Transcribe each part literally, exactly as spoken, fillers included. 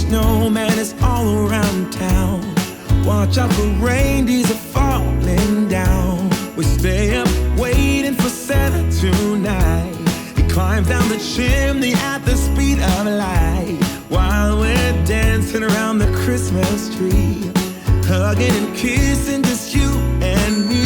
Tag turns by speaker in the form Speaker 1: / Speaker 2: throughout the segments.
Speaker 1: snowman is all around town. Watch out for reindeers are falling down. We stay up waiting for Santa tonight. He climbs down the chimney at the speed of light, while we're dancing around the Christmas tree, hugging and kissing just you and me.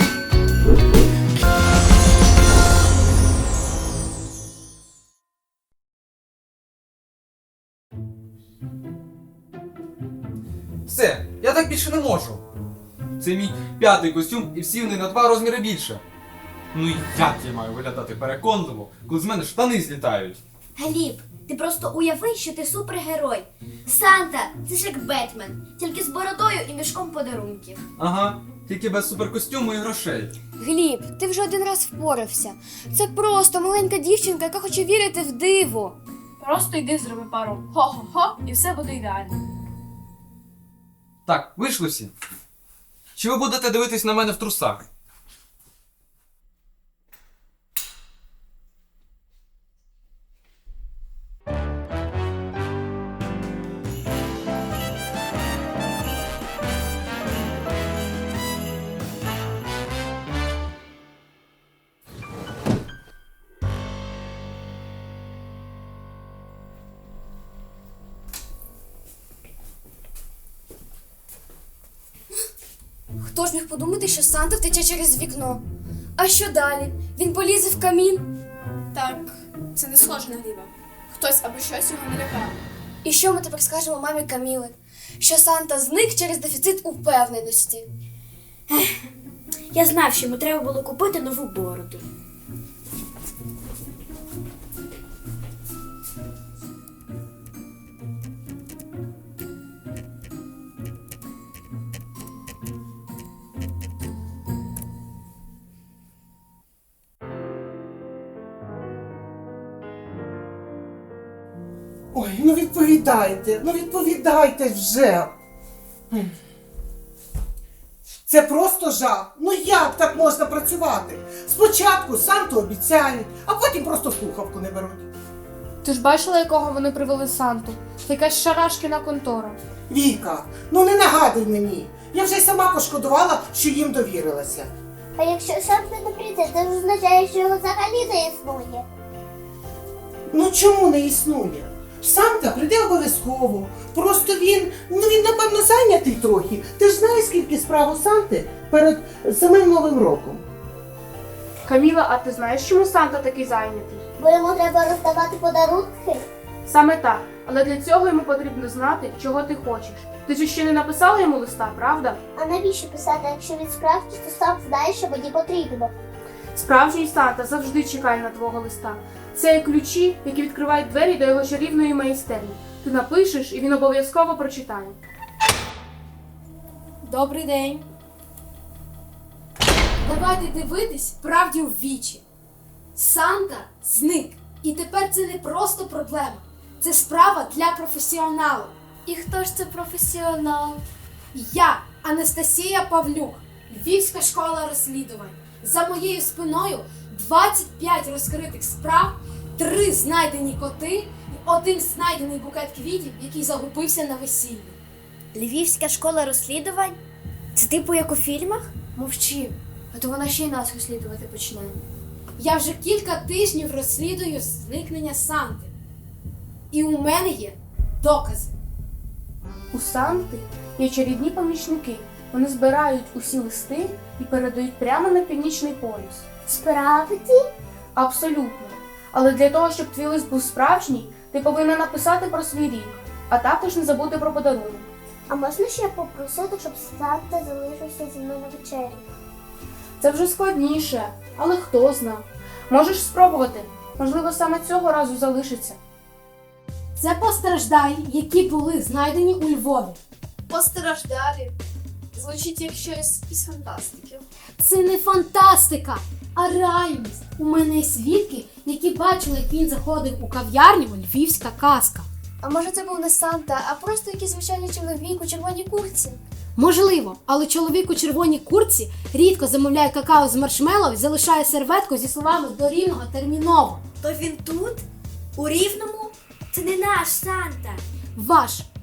Speaker 2: Все, я так більше не можу. Це мій п'ятий костюм і всі вони на два розміри більше. Ну і як я маю виглядати переконливо, коли з мене штани злітають?
Speaker 3: Гліб, ти просто уяви, що ти супергерой. Санта – це ж як Бетмен, тільки з бородою і мішком подарунків.
Speaker 2: Ага, тільки без суперкостюму і грошей.
Speaker 4: Гліб, ти вже один раз впорався. Це просто маленька дівчинка, яка хоче вірити в диво.
Speaker 5: Просто йди зроби пару хо-хо-хо і все буде ідеально.
Speaker 2: Так, вийшли всі. Чи ви будете дивитись на мене в трусах?
Speaker 4: Хто ж міг подумати, що Санта втече через вікно? А що далі? Він полізе в камін?
Speaker 5: Так, це не схоже на Гліба. Хтось або щось його налякав.
Speaker 4: І що ми тепер скажемо мамі Каміли? Що Санта зник через дефіцит упевненості.
Speaker 3: Я знав, що йому треба було купити нову бороду.
Speaker 6: Ой, ну відповідайте, ну відповідайте вже. Це просто жах. Ну як так можна працювати? Спочатку Санту обіцяють, а потім просто слухавку не беруть.
Speaker 7: Ти ж бачила, якого вони привели Санту? Це якась шарашкіна контора.
Speaker 6: Віка, ну не нагадуй мені. Я вже й сама пошкодувала, що їм довірилася.
Speaker 8: А якщо Санта не прийде, це означає, що його взагалі не існує.
Speaker 6: Ну чому не існує? Санта прийде обов'язково. Просто він, ну він напевно зайнятий трохи. Ти ж знаєш, скільки справ у Санти перед самим Новим роком.
Speaker 7: Каміла, а ти знаєш, чому Санта такий зайнятий?
Speaker 8: Бо йому треба роздавати подарунки.
Speaker 7: Саме так. Але для цього йому потрібно знати, чого ти хочеш. Ти ж ще не написала йому листа, правда?
Speaker 8: А навіщо писати, якщо він справді, то сам знає, що мені потрібно.
Speaker 7: Справжній Санта завжди чекає на твого листа. Це як ключі, які відкривають двері до його чарівної майстерні. Ти напишеш, і він обов'язково прочитає.
Speaker 5: Добрий день.
Speaker 9: Давайте дивитись правді в вічі. Санта зник. І тепер це не просто проблема. Це справа для професіоналів.
Speaker 4: І хто ж це професіонал?
Speaker 9: Я, Анастасія Павлюк, Львівська школа розслідувань. За моєю спиною двадцять п'ять розкритих справ, три знайдені коти і один знайдений букет квітів, який загубився на весіллі.
Speaker 3: Львівська школа розслідувань? Це типу як у фільмах?
Speaker 4: Мовчи, а то вона ще й нас розслідувати почне.
Speaker 9: Я вже кілька тижнів розслідую зникнення Санти. І у мене є докази.
Speaker 7: У Санти є чарівні помічники. Вони збирають усі листи і передають прямо на північний полюс.
Speaker 8: Справді?
Speaker 7: Абсолютно. Але для того, щоб твій лист був справжній, ти повинна написати про свій рік, а також не забути про подарунок.
Speaker 8: А можна ще попросити, щоб Санта залишився зі мною на вечері?
Speaker 7: Це вже складніше, але хто зна. Можеш спробувати. Можливо, саме цього разу залишиться.
Speaker 9: Це постраждалі, які були знайдені у Львові.
Speaker 5: Постраждалі. Звучить як щось із фантастики.
Speaker 9: Це не фантастика, а реальність. У мене є свідки, які бачили, як він заходив у кав'ярню «Львівська казка».
Speaker 4: А може це був не Санта, а просто якийсь звичайний чоловік у червоній куртці?
Speaker 9: Можливо, але чоловік у червоній куртці рідко замовляє какао з маршмеллоу і залишає серветку зі словами «до Рівного терміново».
Speaker 3: То він тут? У Рівному? Це не наш Санта.
Speaker 9: Ваш.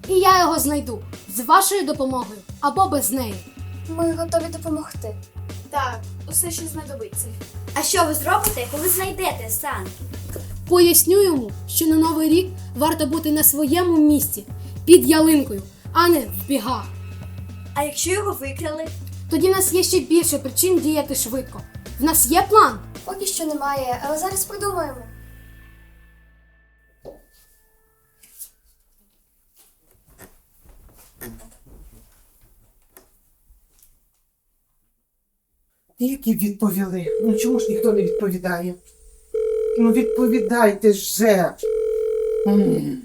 Speaker 9: І я його знайду з вашою допомогою або без неї.
Speaker 4: Ми готові допомогти.
Speaker 5: Так, усе ще знадобиться.
Speaker 3: А що ви зробите, коли знайдете Санту?
Speaker 9: Поясню йому, що на Новий рік варто бути на своєму місці, під ялинкою, а не в бігах.
Speaker 3: А якщо його викрали?
Speaker 9: Тоді в нас є ще більше причин діяти швидко. В нас є план.
Speaker 4: Поки що немає, але зараз придумаємо.
Speaker 6: Тільки відповіли. Ну чому ж ніхто не відповідає? Ну відповідайте же. М.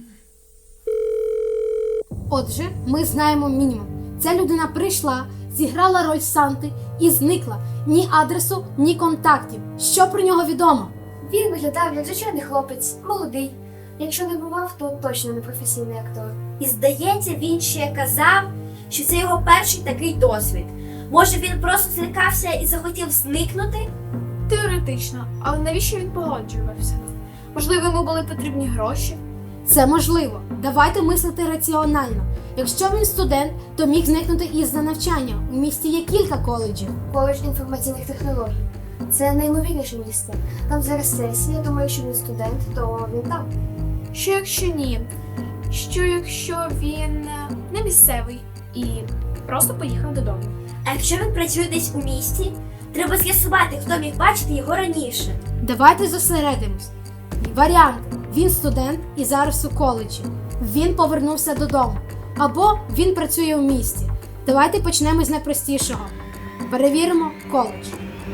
Speaker 9: Отже, ми знаємо мінімум. Ця людина прийшла, зіграла роль Санти і зникла. Ні адресу, ні контактів. Що про нього відомо?
Speaker 4: Він виглядав як звичайний хлопець, молодий. Якщо не бував, то точно не професійний актор.
Speaker 3: І здається, він ще казав, що це його перший такий досвід. Може, він просто злякався і захотів зникнути?
Speaker 7: Теоретично, але навіщо він погоджувався? Можливо, йому були потрібні гроші?
Speaker 9: Це можливо. Давайте мислити раціонально. Якщо він студент, то міг зникнути із-за навчання. У місті є кілька коледжів.
Speaker 4: Коледж інформаційних технологій. Це наймовірніше місце. Там зараз сесія, тому якщо він студент, то він там.
Speaker 7: Що якщо ні? Що якщо він е, не місцевий і просто поїхав додому?
Speaker 3: А якщо він працює десь у місті, треба з'ясувати, хто міг бачити його раніше.
Speaker 9: Давайте зосередимось. Варіанти. Він студент і зараз у коледжі. Він повернувся додому. Або він працює у місті. Давайте почнемо з найпростішого. Перевіримо коледж.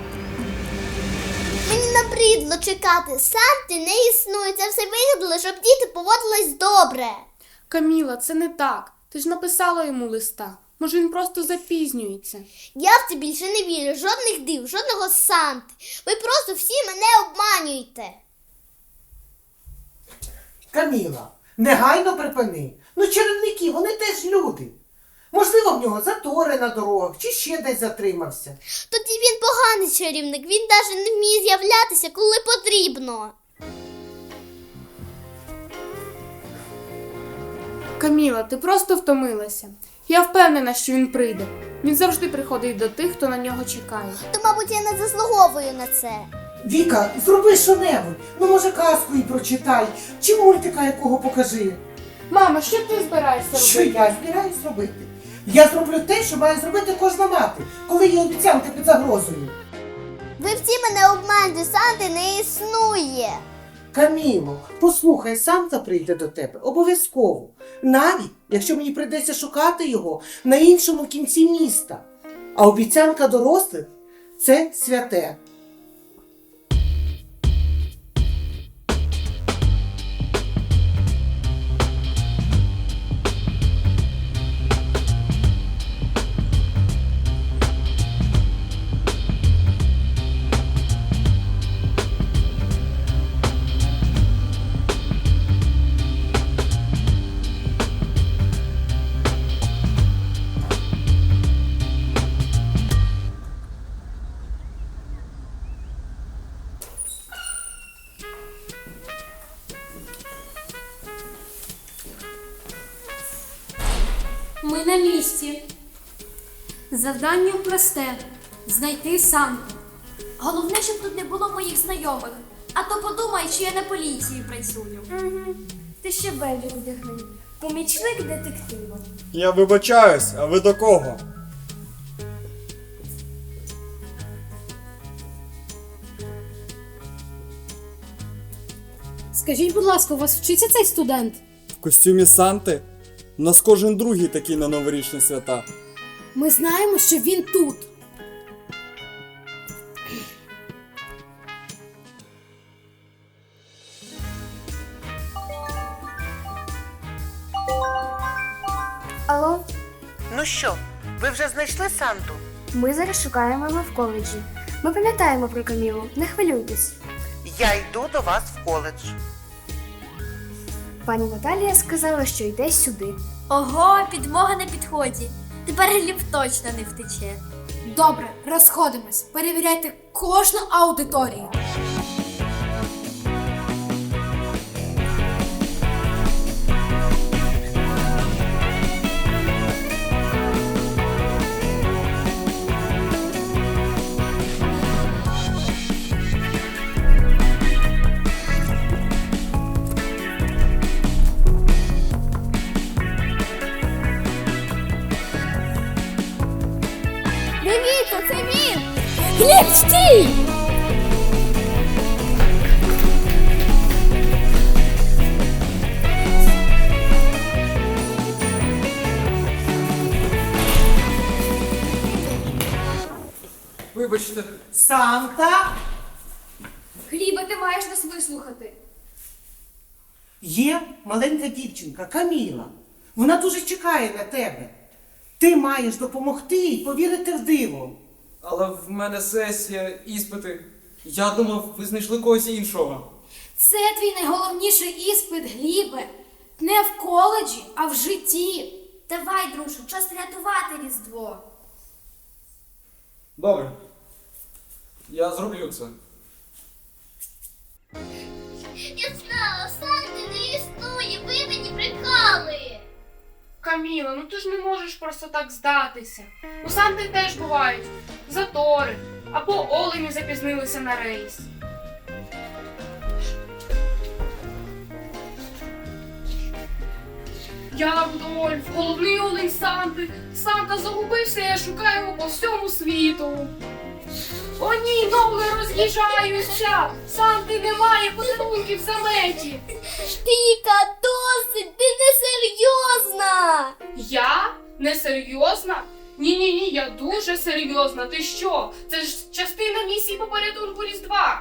Speaker 8: Мені набридло чекати. Санти не існує. Це все вигадали, щоб діти поводились добре.
Speaker 7: Каміла, це не так. Ти ж написала йому листа. Може, він просто запізнюється.
Speaker 8: Я в це більше не вірю. Жодних див, жодного Санти. Ви просто всі мене обманюєте.
Speaker 6: Каміла, негайно припини. Ну чарівники, вони теж люди. Можливо, в нього затори на дорогах чи ще десь затримався.
Speaker 8: Тоді він поганий чарівник. Він навіть не вміє з'являтися, коли потрібно.
Speaker 7: Каміла, ти просто втомилася. Я впевнена, що він прийде. Він завжди приходить до тих, хто на нього чекає.
Speaker 8: То, мабуть, я не заслуговую на це.
Speaker 6: Віка, зроби що-небудь. Ну, може, казку і прочитай. Чи мультика якого покажи.
Speaker 7: Мамо, що ти збираєшся
Speaker 6: Що
Speaker 7: робити?
Speaker 6: я збираюсь робити? Я зроблю те, що має зробити кожна мати, коли є обіцянка під загрозою.
Speaker 8: Ви всі мене обманюєте. Санти не існує.
Speaker 6: Каміло, послухай, Санта прийде до тебе обов'язково. Навіть, якщо мені прийдеться шукати його на іншому кінці міста. А обіцянка дорослих – це святе.
Speaker 9: Ми на місці. Завдання просте – знайти Санту.
Speaker 3: Головне, щоб тут не було моїх знайомих. А то подумай, що я на поліції працюю.
Speaker 4: Угу. Ти ще бельбі одягни.
Speaker 3: Помічник детектива.
Speaker 10: Я вибачаюсь, а ви до кого?
Speaker 9: Скажіть, будь ласка, у вас вчиться цей студент?
Speaker 10: В костюмі Санти? У нас кожен другий такий на новорічні свята.
Speaker 9: Ми знаємо, що він тут.
Speaker 4: Алло,
Speaker 6: Ну що, ви вже знайшли Санту?
Speaker 4: ми зараз шукаємо його в коледжі. Ми пам'ятаємо про Камілу, не хвилюйтесь.
Speaker 6: Я йду до вас в коледж.
Speaker 4: Пані Наталія сказала, що йде сюди.
Speaker 3: Ого, підмога на підході. Тепер Гліб точно не втече.
Speaker 9: Добре, розходимось. Перевіряйте кожну аудиторію.
Speaker 8: Гліб, стій!
Speaker 2: Вибачте.
Speaker 6: Санта,
Speaker 7: Глібе, ти маєш нас вислухати.
Speaker 6: є маленька дівчинка Каміла. Вона дуже чекає на тебе. Ти маєш допомогти їй повірити в диво.
Speaker 2: Але в мене сесія, іспити. Я думав, ви знайшли когось іншого.
Speaker 9: Це твій найголовніший іспит, Глібе. Не в коледжі, а в житті.
Speaker 3: Давай, друже, час рятувати Різдво.
Speaker 2: Добре. Я зроблю це.
Speaker 8: Я знала, Санти не існує, ви мені брехали.
Speaker 7: Каміла, ну ти ж не можеш просто так здатися. У Санти теж бувають затори, або олені запізнилися на рейс. Я Рудольф, головний олень Санти. Санта загубився, я шукаю його по всьому світу. О ні, ноги роз'їжджаються! Санти немає, подарунків в заметі.
Speaker 8: Віка, досить, ти не серйозна.
Speaker 7: Я? Несерйозна? Ні-ні-ні, я дуже серйозна. Ти що? Це ж частина місії по порятунку Різдва.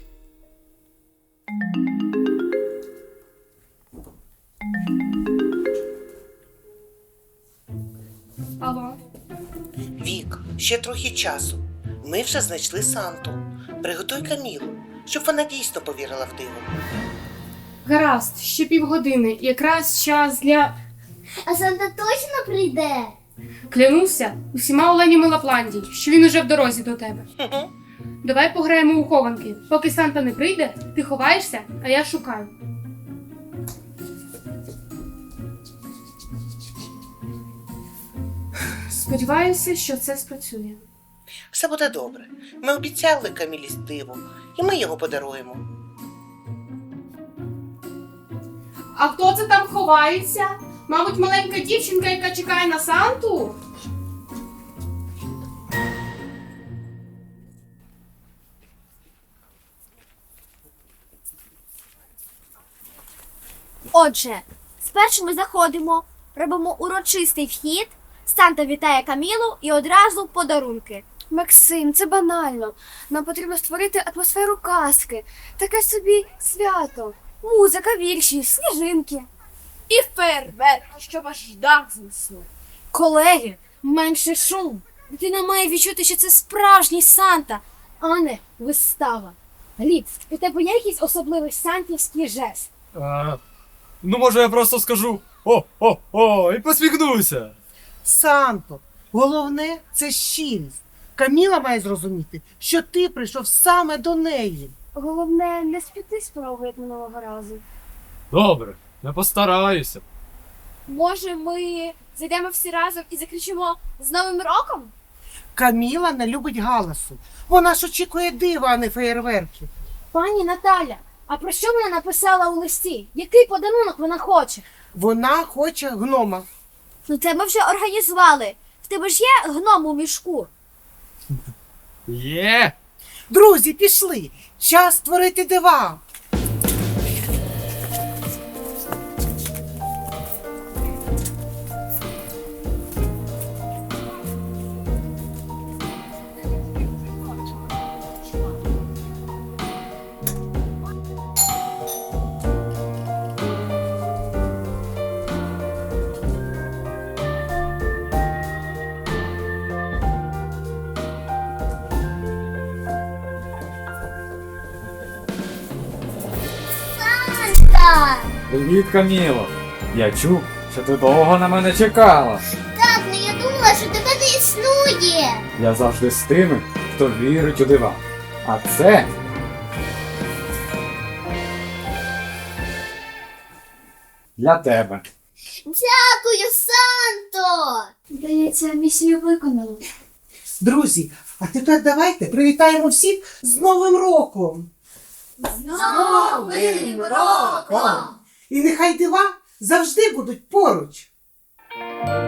Speaker 7: Алло?
Speaker 6: Вік, ще трохи часу. Ми вже знайшли Санту. Приготуй Камілу, щоб вона дійсно повірила в диво.
Speaker 7: Гаразд, ще півгодини. Якраз час для...
Speaker 8: А Санта точно прийде?
Speaker 7: Клянуся усіма оленями Лапландії, що він уже в дорозі до тебе. Давай пограємо у хованки. Поки Санта не прийде, ти ховаєшся, а я шукаю. Сподіваюся, що це спрацює.
Speaker 6: Все буде добре. Ми обіцяли Камілі диво, і ми його подаруємо.
Speaker 7: А хто це там ховається? Мабуть, маленька дівчинка, яка чекає на Санту?
Speaker 3: Отже, спершу ми заходимо, робимо урочистий вхід, Санта вітає Камілу і одразу подарунки.
Speaker 4: Максим, це банально. Нам потрібно створити атмосферу казки. Таке собі свято. Музика, вірші, сніжинки.
Speaker 9: І фейерверк, щоб аж дах знесло. Колеги, менше шум. Дитина має відчути, що це справжній Санта, а не вистава. Гліб, у тебе є якийсь особливий сантівський жест?
Speaker 10: А, ну, може, я просто скажу о-о-о і посміхнуся.
Speaker 6: Санто, головне – це щирість. Каміла має зрозуміти, що ти прийшов саме до неї.
Speaker 4: Головне, не спіти з порогу, як минулого разу.
Speaker 10: Добре, я постараюся.
Speaker 9: Може, ми зайдемо всі разом і закричимо «З Новим роком»?
Speaker 6: Каміла не любить галасу. Вона ж очікує дива, а не феєрверки.
Speaker 9: Пані Наталя, а про що вона написала у листі? Який подарунок вона хоче?
Speaker 6: Вона хоче гнома.
Speaker 3: Ну це ми вже організували. В тебе ж є гном у мішку.
Speaker 10: Є!
Speaker 6: Друзі, пішли! Час створити дива!
Speaker 8: Санта!
Speaker 10: Привіт, Каміло. Я чув, що ти довго на мене чекала.
Speaker 8: Так, ну я думала, що тебе не існує.
Speaker 10: Я завжди з тими, хто вірить у дива. А це... для тебе.
Speaker 8: Дякую, Санто!
Speaker 4: Здається, місію виконано.
Speaker 6: Друзі, а тепер давайте привітаємо всіх з Новим роком!
Speaker 8: З Новим роком!
Speaker 6: І нехай дива завжди будуть поруч!